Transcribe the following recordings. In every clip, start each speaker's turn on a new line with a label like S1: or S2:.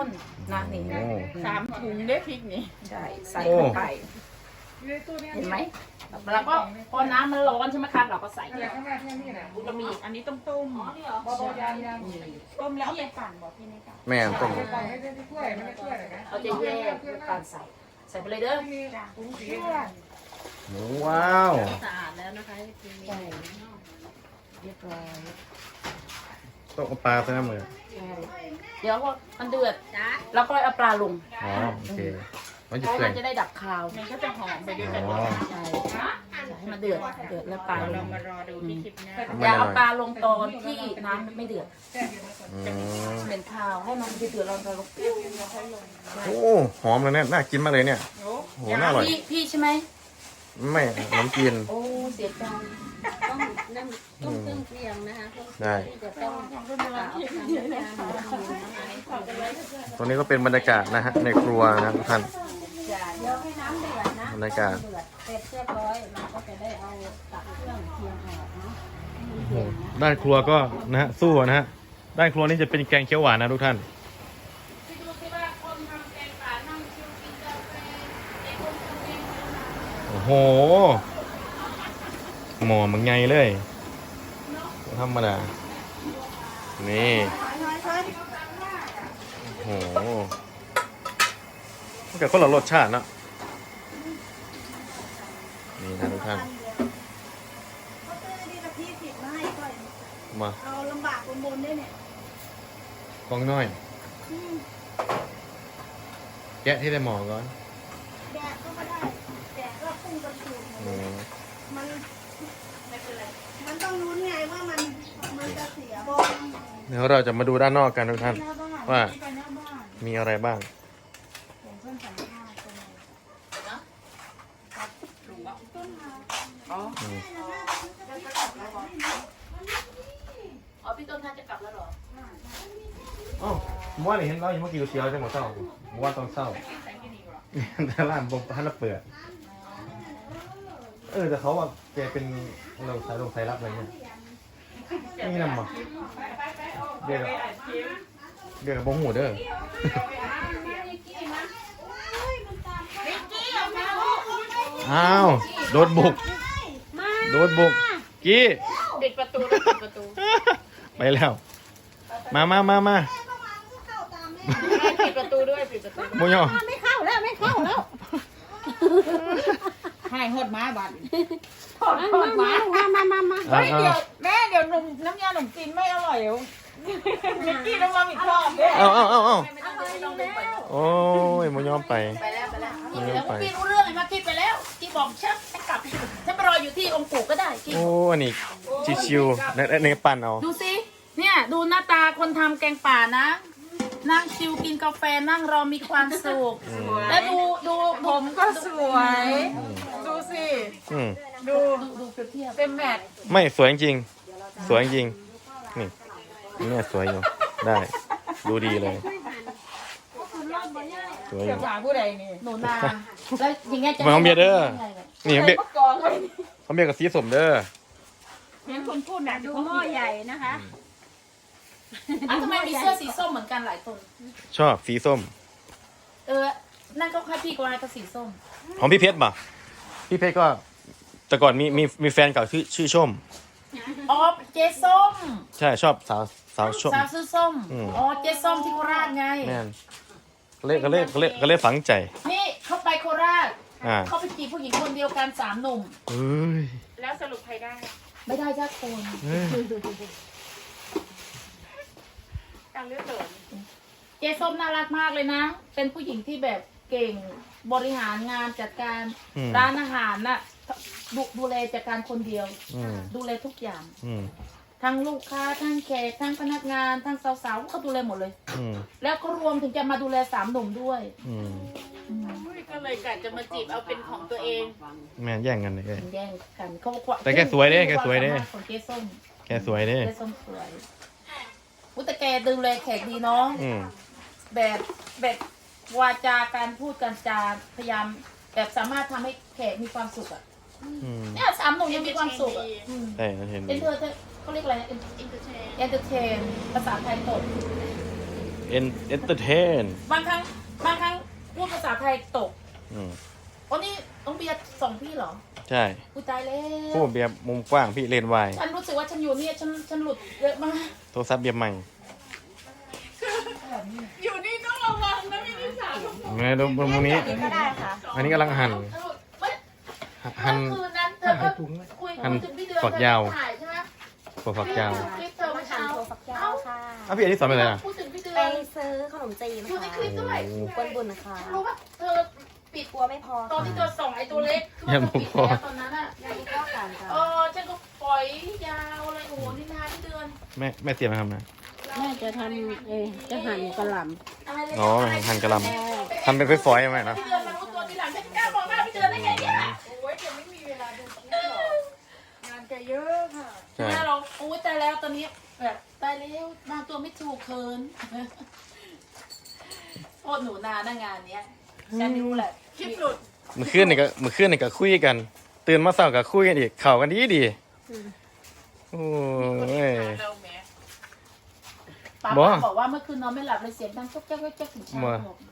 S1: นนะนี่
S2: 3 ถุงได้พริกนี่
S1: ใช่ใส่เข้าไปเห็นไหมแล้วก็พอน้ำมันร้อนใช่ไหมคะเราก็ใส่เรามี
S2: อันนี้ต้องต้มต้มแล้วเอาไปปั่นบอกพี่นี่ค่ะ
S3: แม่ต้ม
S1: เราจะแยกด้วยการใส่ไปเลยเด้อ
S3: หมูว้าว
S2: สะอาดแล้วนะคะทีนี้
S1: ใช่เรียบร้อย
S3: ต้องเอาปลาใส่น้ำมือ
S1: ใช่เดี๋ยวพอมันเดือดแล้วก็เอาปลาลง
S3: อ๋อโอเคมันจะ
S1: เพราะ
S3: เปื่อ
S1: มั
S3: ย
S1: นจะได้ดับคาว
S2: มันก็จะหอมไปด้วยกัน
S3: อ๋อ
S1: ใช่ให้มันเดือดแล้วปลาล
S2: เรา
S1: ง
S2: มารอดูที่คลิปหน้า
S1: อย่าเอาปลาลงตอนที่น้ำไม่เดือด
S3: อืม
S1: เป็นข้าวให้มันเดือดเราลง
S3: โอ้หอมเลยเนี่ยน่ากินมากเลยเนี่ยโอ้โหน่าอร่อย
S1: พี่ใช่ไหม
S3: ไม่ขนมจีน
S1: โอ้เสียใจ
S4: ต้องน้ำต้มเครื่องเคียงนะคะ
S3: ได้
S4: ที่จะต้อง
S3: ตรงนี้ก็เป็นบรรยากาศนะฮะในครัวนะทุกท่าน
S4: เดี๋ยวให้น้ำเดือดนะ
S3: บรรยากาศ
S4: เดือดเสร็จเรียบร้อยเราก็จะได้เอาตักเครื่องเคียงออกเนาะ
S3: โอ้โหด้านครัวก็นะฮะสู้นะฮะด้านครัวนี่จะเป็นแกงเขียวหวานนะทุกท่านโอ้โหหมอมันไงเลยธรรมดานี่โอ้โหมันก็คนละรสชาติเนอะนี่นะทุกท่านมา
S4: เอาลำบากบนๆได้เนี่ย
S3: กล้องน้อย แกะที่ได้หมอก่อน
S4: แดดก็ไม่ได้แดดก็พุ่งกระฉูด
S3: อืม
S4: มันมันต้องรู้ไงว่ามันจะเสียบอล
S3: เดี๋ยวเราจะมาดูด้านนอกกันทุกท่าน
S4: หน้าบ้าน
S3: ว่า
S4: ไปหน้าบ้าน
S3: มีอะไรบ้าง
S4: อย่างเช่นสัมภาษณ์เป็นไง
S1: อ๋อ
S3: อืม
S1: อ๋อพี่ต้นท่านจะกลับแล้วเหรอ
S3: อ๋อเมื่อวานเห็นเรายังเมื่อกี้เชียวจังหวะเศร้าเมื่อวานตอนเศร้าแต่ร้านบอกท่านละเปิดแต่เขาว่าแกเป็นเราสายลงสายรับอะไรเนี่ยนี่นำมาเดี๋ยวกับบงหูเด้ออ้าวโดนบุกกี้
S2: ปิดประตูแล้วปิดประตู
S3: ไปแล้ว มา
S2: ปิดประตูด้วยปิดประตู
S3: โมยอ
S4: ไม่เข้าแล้ว
S2: ให้หดมาบัด
S4: มา
S2: เฮ้ยเดี๋ยวแม่เดี๋ยวน้ำยาขนมจีนไม่อร่อยมิกกี้ต้องมาอีกรอบด้วย
S3: เอา
S1: โอ้
S3: โอ้ยโมยอไป
S1: ไปแล้วพี่รู้เรื่องเลยมาพี่ไปแล้วพี่บอกฉันกลับฉันไปรออยู่ที่องค์ปู่ก็ได้พี่
S3: โอ้อันนี้ชิวๆในปั่นเอา
S1: ดูสิเนี่ยดูหน้าตาคนทำแกงป่านะนั่งชิวกินกาแฟนั่งรอมีความสุขแล้วดูผม
S2: ก็สวย ดูสิ
S3: อืม
S2: ดู
S1: ดูเปรียบเทียบ
S2: เต็มแมท
S3: ไม่สวยจริงสวยจริงนี่เนี่ยสวยอยู่ได้ดูดีเลยสวยอ
S2: เสีย
S3: ยู่
S2: ผาผู้ใดนี่
S1: หนูนาแล้วอย่างเงี้ยจะ
S3: มาของเบียร์เด้อนี่ของเบียร์
S2: มะกอกเลย
S3: ของเบียร์กับสีสมเด้อ
S2: เห็นคนพูดหนัก
S4: ดูหม้อใหญ่นะคะ
S1: ทำไมมีเสื้อสีส้มเหมือนกันหลายคน
S3: ชอบสีส้ม
S1: นั่นก็ค่าพี่กวายกับสีส้ม
S3: ของพี่เพชรป่ะพี่เพชรก็แต่ก่อนมีแฟนเก่าชื่อชม
S1: อ๋อเจส้ม
S3: ใช่ชอบสาวชม
S1: สาวซื้อส้ม
S3: อืม
S1: อ๋อเจส้มที่โคราชไง
S3: แม่นก็เลยฝังใจ
S1: นี่เขาไปโคราช
S3: อ่า
S1: เขาไปจีบผู้หญิงคนเดียวกัน3 หนุ่ม
S3: เอ้ย
S2: แล้วสรุปใครได้
S1: ไม่ได้สักคน
S3: เอ้ย
S2: การเลือกเติม
S1: เจส้มน่ารักมากเลยนะ เป็นผู้หญิงที่แบบเก่งบริหารงานจัดการร้านอาหารน่ะดูแลจัดการคนเดียว
S3: อืม
S1: ดูแลทุกอย่าง
S3: อืม
S1: ทั้งลูกค้าทั้งแขกทั้งพนักงานทั้งสาวๆเขาดูแลหมดเลย
S3: อืม
S1: แล้วก็รวมถึงจะมาดูแล3 หนุ่มด้วย
S3: อืม
S2: ก็เลยกะจะมาจีบเอาเป็นของตัวเอง
S3: แม่นแย่งกันเลย
S1: แย่งกันเขาบอกว่า
S3: แต่แกสวยเด้แกสวยเด้
S1: ความสามารถของเจ๊ส้ม
S3: แกสวยเด้
S1: เจ๊ส้มสวยอุ๊ยแต่แกดูแลแขกดีเนาะ
S3: อืม
S1: แบบวาจาการพูดการจาพยายามแบบสามารถทำให้แขกมีความสุขอ่ะ
S3: อืม
S1: เนี่ย3 หนุ่มยังมีความสุขอ่ะอืม
S3: ใช่เห็น
S1: เอ็นเตอร์เขาเรียกอะไรนะเอนเตอร์เทนภาษาไทยตด
S3: แเอนเตอร์เทน
S1: บางครั้งพูดภาษาไทยตก
S3: อืม
S1: อ๋อนี่ต้องเบียร์ส่งพี่เหรอ
S3: ใช่
S1: กูตายแล้
S3: ผู้
S1: ว
S3: เบียร์มุมกว้างพี่เลนวาย
S1: ฉันรู้สึกว่าฉันอยู่เนี่ยฉันหลุดเยอะมาก
S3: โทรศัพท์เบียร์ใหม่
S2: อยู่นี่ต้องระวังนะพี่นิสาทุกคน
S3: ไงดูมุมนี้
S4: ก็ได้ค่ะ
S3: อันนี้กำลังหั่น
S1: ไม่
S3: หั่น
S1: เมื่อคืนนั้นเธอก็คุย
S3: หั่น
S1: ถึงพี่เดือน
S3: ฝักยาว
S1: เธอถ่ายใช่ไหม
S3: ถั่วฝักยาว
S1: คลิปเธอเมื่อเช้า
S4: ฝักยาวค่ะ
S3: อ้าวพี่อันนี้สอนไปเลยอ่ะ
S1: พูดถึงพี่เดือ
S4: ไป
S1: น
S4: ซื้อขนมจีน
S1: อยู่ใน
S4: ค่ะ
S1: คลิปด้วย
S4: คนบุญนะคะ
S1: รู้ป่ะเธอปิด
S4: กลัวไม่พอ
S1: ตอนที่เธอส่งไอ้ตัวเล็ก
S3: ยังไม่
S1: ปิด
S3: พอ
S1: แล้วตอนนั้นอ่ะ
S4: ยาดีก็การค่ะ
S1: ฉันก็ปล่อยยาวเลยโอ้โหนี่นานพี่เดือน
S3: แม่เตรียมมาทำนะ
S5: แม่จะทำจะหั่นกระหล่
S1: อะไรเลย
S3: อ๋อหั่นกระหลำทำเป็นฝอยๆไหมนะ
S1: พี่เดือนมารู้ตัวทีหลังฉันกล้ามองหน้าพี่เดือนได้ไงเนี่ย
S2: โอ้ยเดี๋ยวไม่มีเวลาดูคลิปหรอกงานแกเยอะค่ะ
S3: ใช่
S1: แม่เราโอ้ยตายแล้วตอนนี้แบบตายแล้วมาตัวไม่ถูกเคินโคตรหนูนาหน้างานเนี้ยฉันไม่รู้แหละ
S2: คลิปหลุด
S3: เมื่อคืนนี่ก็คุยกัน ตื่นมาเช้าก็คุยกันอีกเข่ากันดีโอ้ย
S2: เราแหม
S1: ป้า
S3: บ่
S1: บอกว่าเมื่อคืนนอนไม่หลับเลยเสียงดังจ๊กจ๊กถึงเช้า
S3: บ่
S1: บอก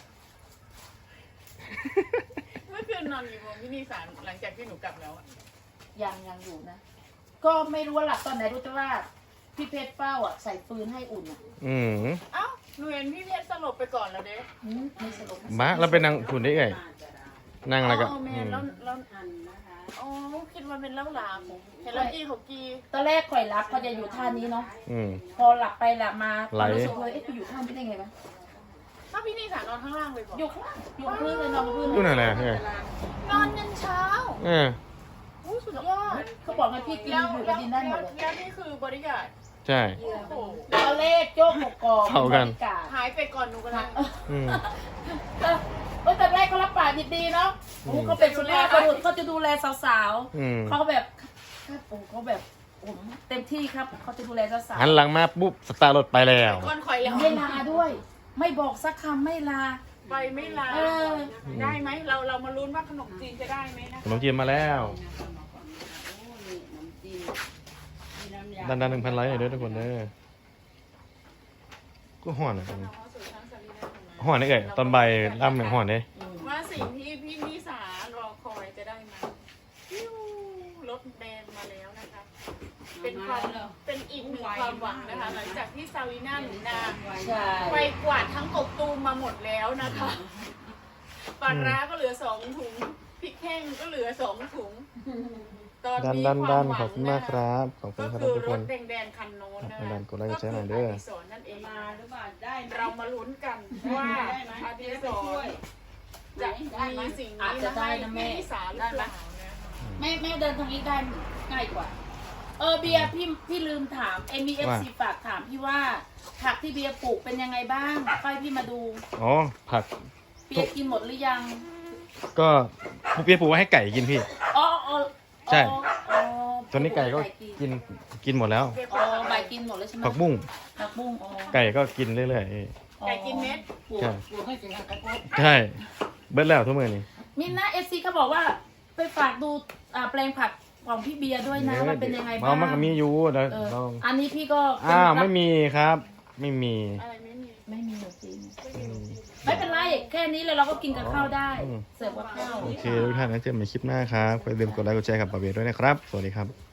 S2: เมื่อคืนนอนกี่โมงพี่นิสาหลังจากที่หนูกลับแล้วอะ
S1: ยังอยู่นะ ก็ไม่รู้ว่าหลับตอนไหนรู้แต่ว่าพี่เพชรเป้าอ่ะใส่ปืนให้อุ่นอ่ะ
S3: อืม
S2: เอ้าหนูเห็นพี่เพชรสลบไปก่อนแล้วเด้
S1: ไม่สลบ
S3: มาเราไปนั่งคุณได้ไงนั่งอะไรก็
S2: อ๋อแม่แล้วอ๋อคิดว่าเป็นเล่าลามเห็นแล้วอีของกี
S1: ตอนแรกข่อยรับเขาจะอยู่ท่านี้เนาะ
S3: อืม
S1: พอหลับไปหลับมา
S3: ไหล
S1: รู้สึกเลยเอ๊ะไปอยู่ท่านี้ได้ไงวะ
S2: ถ้าพี่นิสานอนข้างล่างเลยบอก
S1: อยู่ข้างล่างอยู่พื้นเลยนอนบนพื้น
S3: ดูนั่นแหละเฮ้ย
S2: นอนยันเช้า
S3: เออ
S2: อู้สุดยอด
S1: เขาบอกให้พี่กิน
S2: แล้ว
S1: อยู่กับดินได้หมดเลย
S2: แล้วนี่คือบริการ
S3: ใช่
S2: โอ้โห
S1: ตอนแรกโจ๊กหกกอง
S3: เท่ากัน
S1: บริร
S2: หายไปก่อนหนูก็เลย
S3: อืม
S1: ตอนแรกเขารับปากดีๆเนาะโอ้โหเขาเป็นสุภาพบุรุษเขาจะดูแลสาว
S3: อืม
S1: ๆเขาแบบครับโอ้เขาแบบผมเต็มที่ครับเขาจะดูแลสาว
S3: หันหลังมาปุ๊บสตาร์ทรถไปแล้ว
S2: ก้อนข่อยแล้ว
S1: ๆไม่ลาด้วย ไม่บอกสักคำไม่ลา
S2: ไปไม่ลา
S1: เออ
S2: ได้ไหมเรามาลุ้นว่าขนมจีนจะได้ไหมนะ
S3: ขนมจีนมาแล้ว
S5: ำ
S3: ดัน1,000 ไลค์หน่อยเด้อทุกคนเด้อก็ห่อนอ่ะห่อนได้เอ่ยตอนบ่ายล่ำเนี่ยห่อนเด้
S2: ว่าสิ่งที่พี่นิสารอคอยจะได้ไหมฟิวรถแดงมาแล้วนะคะ เป็นอีกหนึ่งความหวังนะคะ หลังจากที่ซาวีน่าหนูนา
S1: ใช่
S2: ไปกวาดทั้งกบตูมมาหมดแล้วนะคะปลาร้าก็เหลือ2 ถุงพริกแห้งก็เหลือ2 ถุง ตอนนี้ความหวั
S3: ขอบ
S2: ง
S3: คุณ
S2: นะ
S3: มากค
S2: คะ
S3: รับขอบคุณ
S2: ก็
S3: ครับ
S2: คือ
S3: ทุก
S2: ร
S3: คน
S2: ถแดงๆคันโน้นนะ
S3: ดั
S2: คะ
S3: นกดไลค์กดแชร์หน่อยเด้อ
S2: ก็คืออดิศรนั่นเองเรามาลุ้นกันว่าอดิศรจะมีสิ่งนี้มาให้พี่นิสาหรือเปล่านะคะ
S1: แม่เดินตรงนี้ได้ง่ายกว่า เบียร์พี่ลืมถามมีเอฟซีฝากถามพี่ว่าผักที่เบียร์ปลูกเป็นยังไงบ้างค่อยพี่มาดู
S3: อ๋อผัก
S1: เบียร์กินหมดหรือยัง
S3: ก็เปียปลูกไว้ให้ไก่กินพี่
S1: อ๋อ
S3: ใช่
S1: อ๋อ
S3: ตอนนี้ไก่ก็กินหมดแล้ว
S1: อ๋อใบกินหมดแล้วใช่ไหม
S3: ผักบุ้ง
S1: ผักบุ้งอ๋อ
S3: ไก่ก็กินเรื่อย
S2: ไก่กินเม็ด
S3: ๆใช่ใช่เบิดแล้วทุกมื้อนี้
S1: มินนะเอฟซีเขาบอกว่าไปฝากดูแปลงผักของพี่เบียร์ด้วยนะว่าเป็นยังไงบ้าง
S3: มันก็มีอยู่เดี๋ยว
S1: เออ
S3: ลอง
S1: อันนี้พี่ก็
S3: ไม่มีครับ ไม่มี
S2: อะไรไม่มี
S1: ไม่มีจริง
S3: อืม
S1: ไม่เป็นไรแค่นี้เลยเราก็กินกับข้าวได้
S3: อืม
S1: เสิร์ฟกับข้าว
S3: โอเคทุกท่านนะเจอกันใหม่คลิปหน้าครับอย่าลืมกดไลค์กดแชร์กับปาเบียด้วยนะครับ สวัสดีครับ